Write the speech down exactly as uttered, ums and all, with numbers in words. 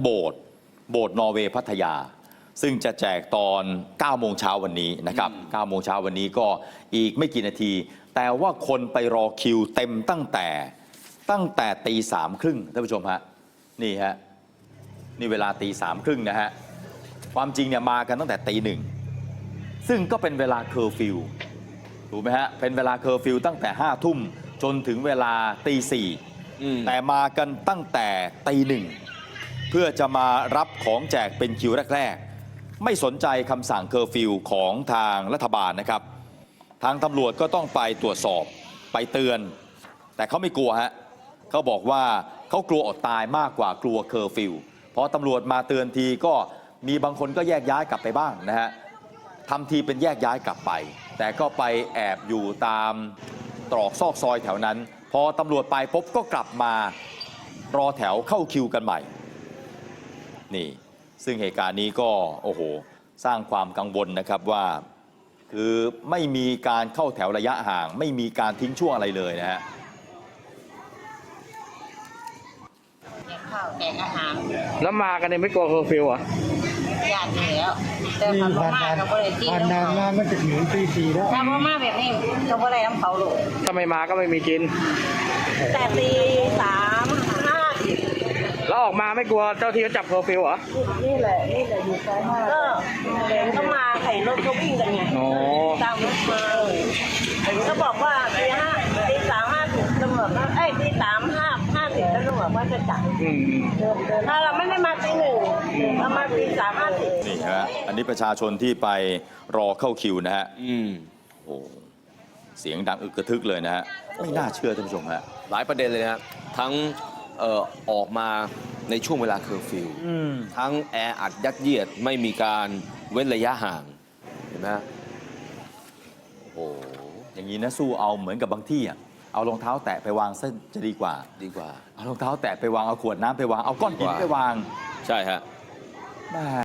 โบสถ์โบสถ์นอร์เวย์พัทยาซึ่งจะแจกตอนเก้าโมงเช้าวันนี้นะครับเก้าโมงเช้าวันนี้ก็อีกไม่กี่นาทีแต่ว่าคนไปรอคิวเต็มตั้งแต่ตั้งแต่ตีสามครึ่งท่านผู้ชมฮะนี่ฮะนี่เวลาตีสามครึ่งนะฮะความจริงเนี่ยมากันตั้งแต่ตีหนึ่งซึ่งก็เป็นเวลาเคอร์ฟิวถูกไหมฮะเป็นเวลาเคอร์ฟิวตั้งแต่ห้าทุ่มจนถึงเวลาตีสี่แต่มากันตั้งแต่ตีหนึ่งเพื่อจะมารับของแจกเป็นคิวแรกๆไม่สนใจคำสั่งเคอร์ฟิวของทางรัฐบาลนะครับทางตำรวจก็ต้องไปตรวจสอบไปเตือนแต่เขาไม่กลัวฮะเขาบอกว่าเขากลัวอดตายมากกว่ากลัวเคอร์ฟิวพอตำรวจมาเตือนทีก็มีบางคนก็แยกย้ายกลับไปบ้างนะฮะทำทีเป็นแยกย้ายกลับไปแต่ก็ไปแอบอยู่ตามตรอกซอกซอยแถวนั้นพอตำรวจไปปุ๊บก็กลับมารอแถวเข้าคิวกันใหม่นี่ซึ่งเหตุการณ์นี้ก็โอ้โหสร้างความกังวลนะครับว่าคือไม่มีการเข้าแถวระยะห่างไม่มีการทิ้งช่วงอะไรเลยนะฮะแจกข้าวแจกอาหารแล้วมากันเนี่ยไม่กลัวเคอร์ฟิวเหรอญาติอยู่แล้วแต่พอมาก็บ่ได้กินวันนานมามันจะถึงตีสี่แล้วถ้าพ่อมาแบบนี้ก็บ่ได้น้ำเขาลูกถ้าไม่มาก็ไม่มีกินแต่ตีสามห้าสิบแล้วออกมาไม่กลัวเจ้าที่เขาจับเคอร์ฟิวเหรอนี่แหละนี่แหละอยู่ใกล้มากก็เดินเข้ามาไข่รถเขาวิ่งกันไงตามรถมาก็บอกว่าตีห้าตีสามห้าสิบตำรวจเอ้ยตีสามห้าห้าสิบแล้วตำรวจว่าจะจับถ้าเราไม่ได้มาตีหนึ่งเรามาตีสามห้าสิบนี่ฮะอันนี้ประชาชนที่ไปรอเข้าคิวนะฮะอืมโอ้เสียงดังอึกกระทึกเลยนะฮะไม่น่าเชื่อท่านผู้ชมฮะหลายประเด็นเลยนะทั้งเอ่อออกมาในช่วงเวลาเคอร์ฟิวทั้งแออัดยัดเยียดไม่มีการเว้นระยะห่างเห็นไหมฮะโอ้อย่างนี้นะสู้เอาเหมือนกับบางที่อ่ะเอารองเท้าแตะไปวางเส้นจะดีกว่าดีกว่าเอารองเท้าแตะไปวางเอาขวดน้ำไปวางเอาก้อนหินไปวางใช่ฮะ